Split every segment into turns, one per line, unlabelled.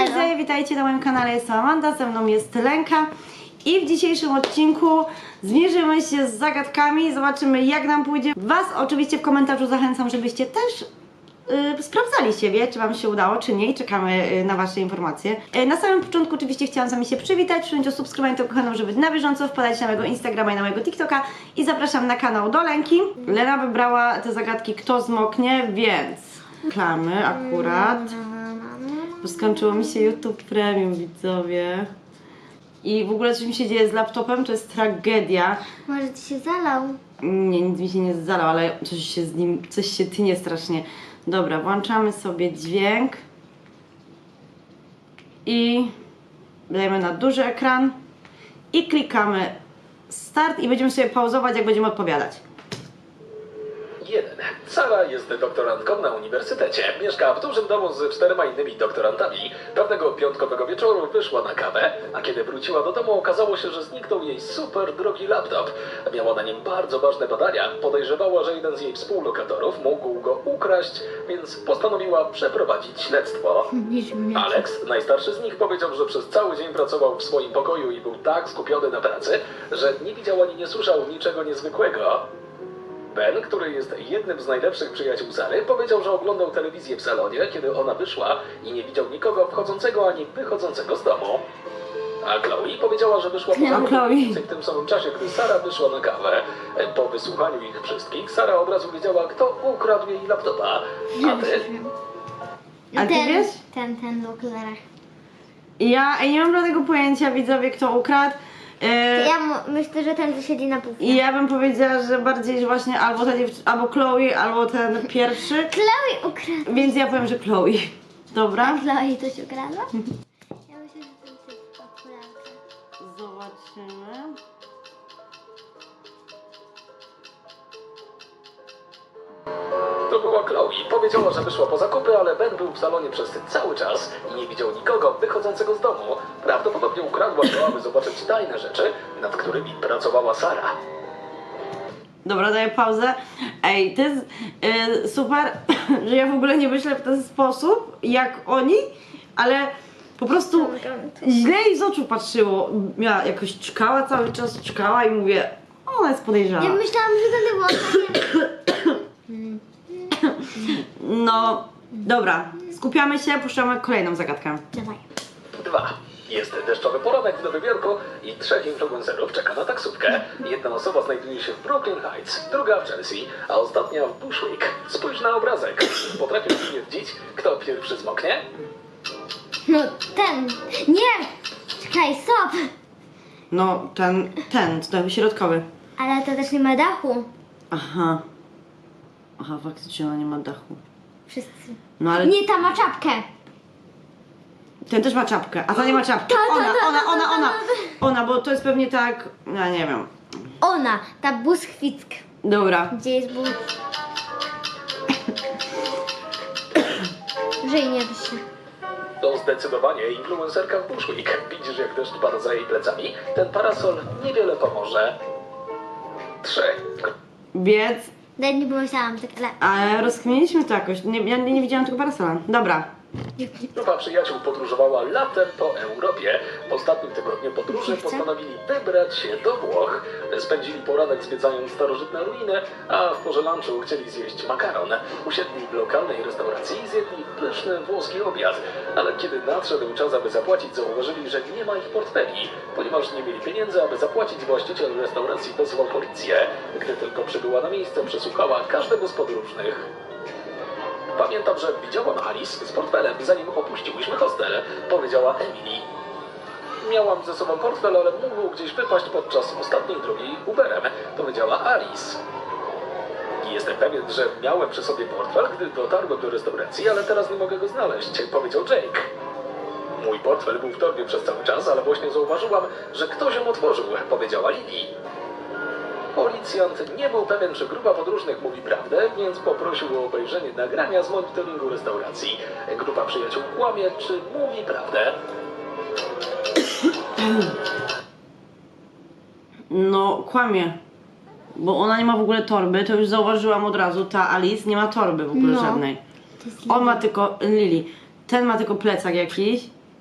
Cześć, witajcie na moim kanale, jestem Amanda, ze mną jest Lenka i w dzisiejszym odcinku zmierzymy się z zagadkami, zobaczymy jak nam pójdzie. Was oczywiście w komentarzu zachęcam, żebyście też sprawdzali siebie, czy wam się udało, czy nie i czekamy na wasze informacje. Na samym początku oczywiście chciałam z wami się przywitać, przyjąć o subskrybowanie tego kanału, żeby być na bieżąco, wpadać na mojego Instagrama i na mojego TikToka i zapraszam na kanał do Lenki. Lena wybrała te zagadki kto zmoknie, więc klamy akurat. Bo skończyło mi się YouTube Premium, widzowie. I w ogóle coś mi się dzieje z laptopem, to jest tragedia.
Może ci się zalał?
Nie, nic mi się nie zalał, ale coś się tnie strasznie. Dobra, włączamy sobie dźwięk. I dajemy na duży ekran. I klikamy start i będziemy sobie pauzować, jak będziemy odpowiadać.
1. Sara jest doktorantką na uniwersytecie. Mieszka w dużym domu z 4 innymi doktorantami. Pewnego piątkowego wieczoru wyszła na kawę, a kiedy wróciła do domu, okazało się, że zniknął jej super drogi laptop. Miała na nim bardzo ważne badania. Podejrzewała, że jeden z jej współlokatorów mógł go ukraść, więc postanowiła przeprowadzić śledztwo. Alex, najstarszy z nich, powiedział, że przez cały dzień pracował w swoim pokoju i był tak skupiony na pracy, że nie widział ani nie słyszał niczego niezwykłego. Ben, który jest jednym z najlepszych przyjaciół Sary, powiedział, że oglądał telewizję w salonie, kiedy ona wyszła i nie widział nikogo wchodzącego ani wychodzącego z domu. A Chloe powiedziała, że wyszła po w tym samym czasie, gdy Sara wyszła na kawę. Po wysłuchaniu ich wszystkich, Sara od razu wiedziała, kto ukradł jej laptopa. A ty?
A ty wiesz?
Ten w okularach.
Ja nie mam żadnego pojęcia, widzowie, kto ukradł.
Myślę, że ten, co siedzi na półce.
I ja bym powiedziała, że bardziej że właśnie albo ta albo Chloe, albo ten pierwszy.
Chloe ukradła.
Więc ja powiem, że Chloe. Dobra?
Chloe coś ukradła? Ja myślę, że ten typ w okularach.
Zobaczymy.
To była Chloe. Powiedziała, że wyszła po zakupy, ale Ben był w salonie przez cały czas i nie widział nikogo wychodzącego z domu. Prawdopodobnie ukradła go, aby zobaczyć tajne rzeczy, nad którymi pracowała Sara.
Dobra, daję pauzę. Ej, to jest super, że ja w ogóle nie myślę w ten sposób, jak oni, ale po prostu źle jej z oczu patrzyło. Ja jakoś czkała cały czas, czkała i mówię, ona jest podejrzana.
Ja myślałam, że to było takie...
No, dobra, skupiamy się, puszczamy kolejną zagadkę.
Dawaj.
2. Jest deszczowy poranek w Nowym Jorku i 3 influencerów czeka na taksówkę. Jedna osoba znajduje się w Brooklyn Heights, druga w Chelsea, a ostatnia w Bushwick. Spójrz na obrazek. Potrafisz stwierdzić, kto pierwszy zmoknie?
No ten. Nie! Czekaj, stop!
No, ten, to jakby środkowy.
Ale to też nie ma dachu.
Aha. Aha, faktycznie ona nie ma dachu.
Wszyscy.
No ale
Nie, ta ma czapkę.
ten też ma czapkę, a ta nie ma czapki. Ona, bo to jest pewnie tak, ja nie wiem.
Ona, ta Bushwick.
Dobra.
Gdzie jest but? Żyj, nie bój się.
To zdecydowanie influencerka w Bushwick. Widzisz, jak deszcz pada za jej plecami? Ten parasol niewiele pomoże. 3.
Biec,
Nawet nie pomyślałam, tak, ale...
ale rozkminiliśmy to jakoś. Ja nie widziałam tego parasola. Dobra.
Grupa przyjaciół podróżowała latem po Europie. W ostatnim tygodniu podróży postanowili wybrać się do Włoch. Spędzili poranek zwiedzając starożytne ruiny, a w porze lunchu chcieli zjeść makaron. Usiedli w lokalnej restauracji i zjedli pyszny włoski obiad. Ale kiedy nadszedł czas, aby zapłacić, zauważyli, że nie ma ich portfeli. Ponieważ nie mieli pieniędzy, aby zapłacić, właściciel restauracji wezwał policję. Gdy tylko przybyła na miejsce, przesłuchała każdego z podróżnych. Pamiętam, że widziałam Alice z portfelem, zanim opuściłyśmy hostel, powiedziała Emily. Miałam ze sobą portfel, ale mógł gdzieś wypaść podczas ostatniej drogi Uberem, powiedziała Alice. Jestem pewien, że miałem przy sobie portfel, gdy dotarłem do restauracji, ale teraz nie mogę go znaleźć, powiedział Jake. Mój portfel był w torbie przez cały czas, ale właśnie zauważyłam, że ktoś ją otworzył, powiedziała Lily. Policjant nie był pewien, czy grupa podróżnych mówi prawdę, więc poprosił o obejrzenie nagrania z monitoringu restauracji. Grupa przyjaciół kłamie, czy mówi prawdę?
No, kłamie. Bo ona nie ma w ogóle torby, to już zauważyłam od razu. Ta Alice nie ma torby w ogóle żadnej.
To jest
On ma tylko, Lily, ten ma tylko plecak jakiś.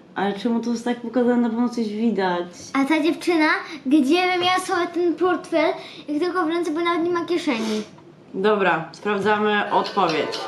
Ale czemu to jest tak pokazane, na pewno coś widać.
A ta dziewczyna, gdzie by miała sobie ten portfel, jak tylko w ręce, bo nawet nie ma kieszeni.
Dobra, sprawdzamy odpowiedź.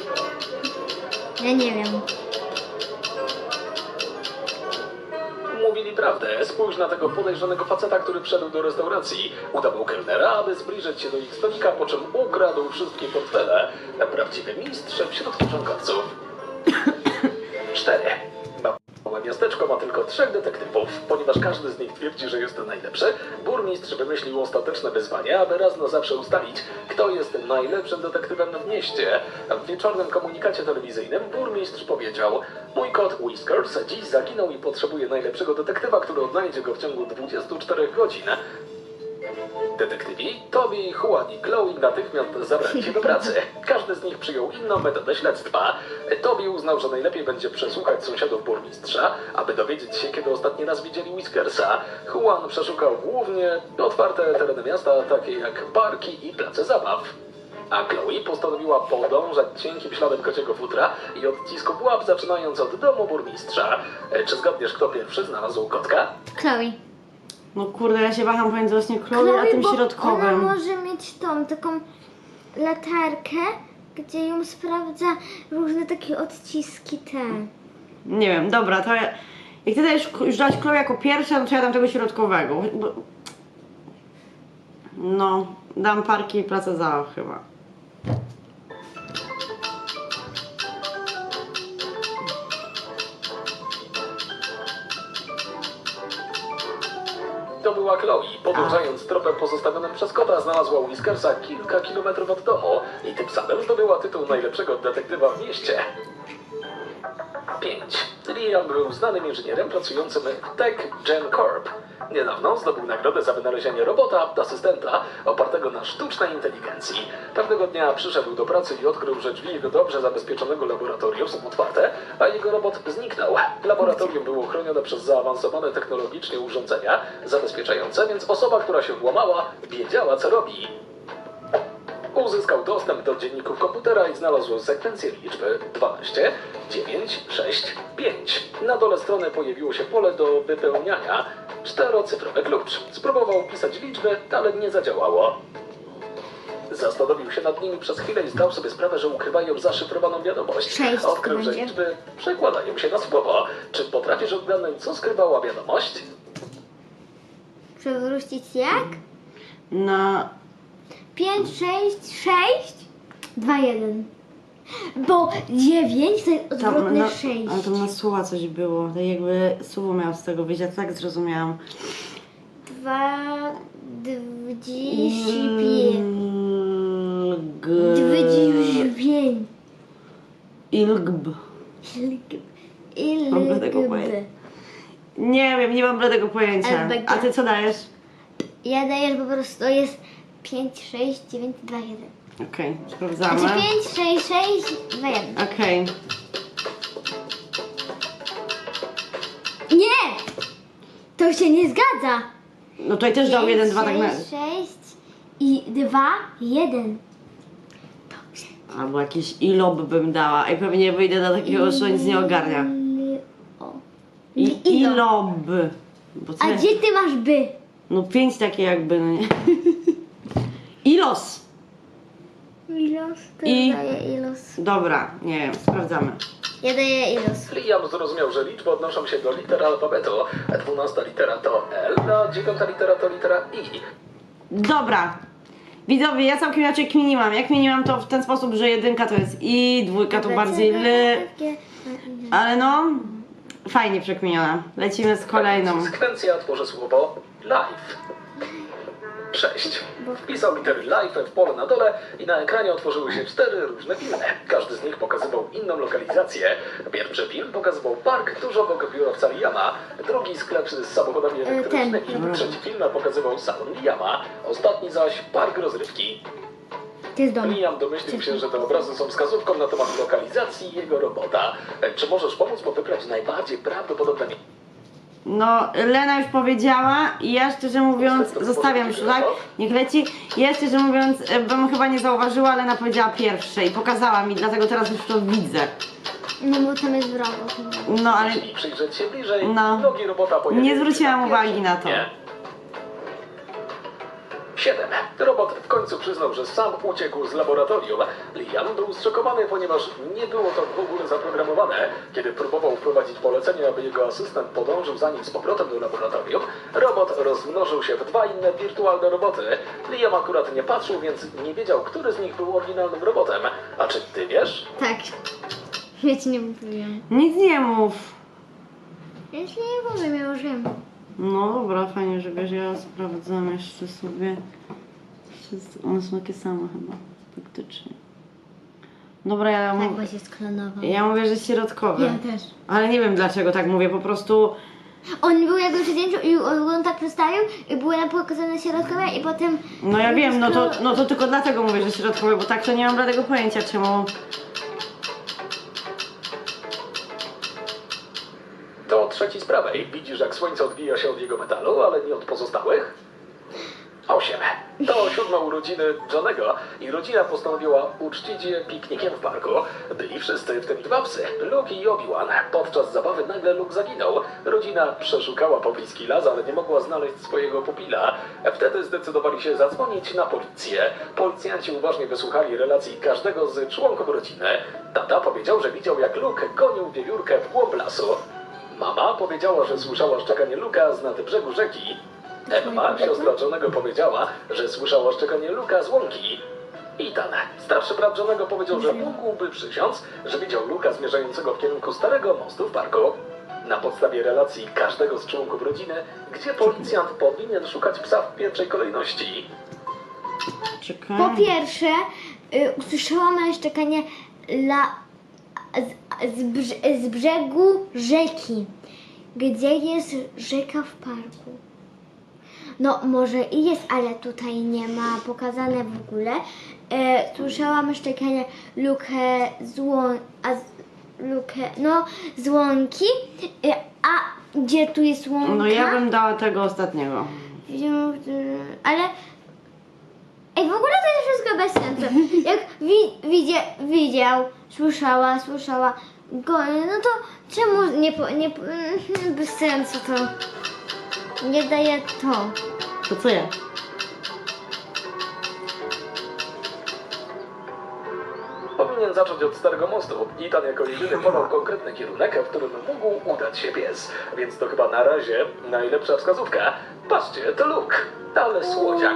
Ja nie wiem.
Mówili prawdę. Spójrz na tego podejrzanego faceta, który wszedł do restauracji. Udawał kelnera, aby zbliżyć się do ich stolika, po czym ukradł wszystkie portfele. Prawdziwy mistrz wśród ściągawców. 4. Małe miasteczko ma tylko 3 detektywów. Ponieważ każdy z nich twierdzi, że jest najlepszy, burmistrz wymyślił ostateczne wyzwanie, aby raz na zawsze ustalić, kto jest najlepszym detektywem w mieście. W wieczornym komunikacie telewizyjnym burmistrz powiedział: mój kot Whiskers dziś zaginął i potrzebuje najlepszego detektywa, który odnajdzie go w ciągu 24 godzin. Detektywi Toby, Juan i Chloe natychmiast zabrali się do pracy. Każdy z nich przyjął inną metodę śledztwa. Toby uznał, że najlepiej będzie przesłuchać sąsiadów burmistrza, aby dowiedzieć się, kiedy ostatni raz widzieli Whiskersa. Juan przeszukał głównie otwarte tereny miasta, takie jak parki i place zabaw. A Chloe postanowiła podążać cienkim śladem kociego futra i odcisków łap, zaczynając od domu burmistrza. Czy zgadniesz, kto pierwszy znalazł kotka?
Chloe.
No kurde, ja się waham pomiędzy właśnie Chloe a tym
bo
środkowym.
ona może mieć tą taką latarkę, gdzie ją sprawdza różne takie odciski te.
Nie wiem, dobra, to ja... Jak ty dajesz już dać Chloe jako pierwsza, no to ja dam tego środkowego. Bo... No, dam parki i place zabaw chyba.
To była Chloe. Podążając tropem pozostawionym przez kota, znalazła Whiskersa kilka kilometrów od domu i tym samym zdobyła tytuł najlepszego detektywa w mieście. 5. Liam był znanym inżynierem pracującym w Tech Gen Corp. Niedawno zdobył nagrodę za wynalezienie robota, asystenta, opartego na sztucznej inteligencji. Pewnego dnia przyszedł do pracy i odkrył, że drzwi jego dobrze zabezpieczonego laboratorium są otwarte, a jego robot zniknął. Laboratorium było chronione przez zaawansowane technologicznie urządzenia zabezpieczające, więc osoba, która się włamała, wiedziała, co robi. Uzyskał dostęp do dzienników komputera i znalazł sekwencję liczby 12, 9, 6, 5. Na dole strony pojawiło się pole do wypełniania. 4-cyfrowy klucz. Spróbował wpisać liczby, ale nie zadziałało. Zastanowił się nad nimi przez chwilę i zdał sobie sprawę, że ukrywają zaszyfrowaną wiadomość.
6
Odkrył,
to
że
będzie.
liczby przekładają się na słowo. Czy potrafisz odgadnąć, co skrywała wiadomość?
Przewrócić jak?
No,
5, 6, 6, 2, 1. Bo 9 to jest
tam
odwrotne
na,
6.
ale tam na słowa coś było. Tak jakby słowo miało z tego wyjść, ja tak zrozumiałam.
2, 25.
Ilgb.
25.
Mam bladego pojęcia. Nie wiem, nie mam bladego pojęcia.
LBG.
A ty co dajesz?
Ja daję, że po prostu to jest 5, 6, 9, 2, 1.
Okej, sprawdzamy.
Znaczy 5, 6, 6, 2, 1.
Okej.
Nie! To się nie zgadza.
No tutaj też dał 1, 2 tak na...
6 i 2, 1.
Albo jakiś ilob bym dała. I pewnie wyjdę do takiego, że nic nie ogarnia.
O.
Ilob. Bo
A
tyle-
gdzie ty masz by?
No 5 takie jakby, no nie. Ilos.
Ilos, to
I-
daję ilos.
Dobra, nie wiem, sprawdzamy.
Ja daję ilos.
Liam zrozumiał, że liczby odnoszą się do liter alfabetu. 12 litera to L, a 9 litera to litera I.
Dobra. Widzowie, ja całkiem inaczej kminiłam. Ja kminiłam to w ten sposób, że 1 to jest I, 2 to bardziej L. Ale no, fajnie przekminiona. Lecimy z kolejną.
Sekwencja tworzy słowo live. 6. Wpisał litery live w pole na dole i na ekranie otworzyły się 4 różne filmy. Każdy z nich pokazywał inną lokalizację. Pierwszy film pokazywał park tuż obok biurowca Liama, drugi sklep z samochodami elektrycznymi, trzeci film pokazywał salon Liama, ostatni zaś park rozrywki.
To jest dom.
Liam domyślił się, że te obrazy są wskazówką na temat lokalizacji jego robota. Czy możesz pomóc mu wybrać najbardziej prawdopodobne miejsce?
No, Lena już powiedziała i ja szczerze mówiąc, zostawiam już, tak? Niech leci. Ja szczerze mówiąc, bym chyba nie zauważyła, Lena powiedziała pierwsze i pokazała mi, dlatego teraz już to widzę.
No bo tam jest wrogo.
No ale
Jeśli przyjrzeć się bliżej,
No.
nogi robota pojawiają
Nie
się
zwróciłam
na
uwagi
pierwszym
na to.
dnie. 7. Robot w końcu przyznał, że sam uciekł z laboratorium. Liam był zszokowany, ponieważ nie było to w ogóle zaprogramowane. Kiedy próbował wprowadzić polecenie, aby jego asystent podążył za nim z powrotem do laboratorium, robot rozmnożył się w 2 inne wirtualne roboty. Liam akurat nie patrzył, więc nie wiedział, który z nich był oryginalnym robotem. A czy ty wiesz?
Tak. Ja ci nie mówiłam.
nic nie mów.
Ja ci nie powiem, ja już wiem.
No dobra, fajnie, że wiesz, ja sprawdzam jeszcze sobie. One są takie same chyba, faktycznie. Dobra, ja,
Tak, bo się sklonował.
ja mówię, że środkowy.
Ja też.
Ale nie wiem dlaczego tak mówię, po prostu...
On był jakby przy zdjęciu i on tak przedstawił i były nam pokazane środkowe i potem...
No ja wiem, no to tylko dlatego mówię, że środkowy, bo tak to nie mam żadnego pojęcia czemu...
To trzeci z prawej. Widzisz, jak słońce odbija się od jego metalu, ale nie od pozostałych? 8. To 7 urodziny Johnego i rodzina postanowiła uczcić je piknikiem w parku. Byli wszyscy, w tym 2 psy, Luke i Obi-Wan. Podczas zabawy nagle Luke zaginął. Rodzina przeszukała pobliski las, ale nie mogła znaleźć swojego pupila. Wtedy zdecydowali się zadzwonić na policję. Policjanci uważnie wysłuchali relacji każdego z członków rodziny. Tata powiedział, że widział, jak Luke gonił wiewiórkę w głąb lasu. Mama powiedziała, że słyszała szczekanie Luka z nad brzegu rzeki. Emma, siostra Johnego, powiedziała, że słyszała szczekanie Luka z łąki. Ethan, starszy brat Johnego, powiedział, że mógłby przysiąc, że widział Luka zmierzającego w kierunku starego mostu w parku. Na podstawie relacji każdego z członków rodziny, gdzie policjant powinien szukać psa w pierwszej kolejności.
Czekaj...
Po pierwsze, usłyszałam szczekanie z brzegu rzeki. Gdzie jest rzeka w parku? No może i jest, ale tutaj nie ma pokazane w ogóle. Słyszałam szczekanie z łąki. A gdzie tu jest łąka?
No ja bym dała tego ostatniego.
Ale ej, w ogóle to jest wszystko bez sensu. Jak widział, słyszała, no to czemu bez sensu to nie daje to.
To co ja?
Powinien zacząć od Starego Mostu. Ethan jako jedyny podał konkretny kierunek, w którym mógł udać się pies. Więc to chyba na razie najlepsza wskazówka. Patrzcie, to Luke, ale słodziak.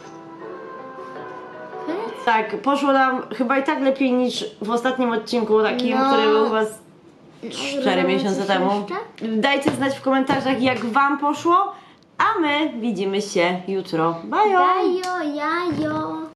Tak, poszło nam chyba i tak lepiej niż w ostatnim odcinku takim,
No.
który był u was 4 miesiące
coś
temu.
jeszcze?
Dajcie znać w komentarzach, jak wam poszło, a my widzimy się jutro. Bye!
Dajo, jajo.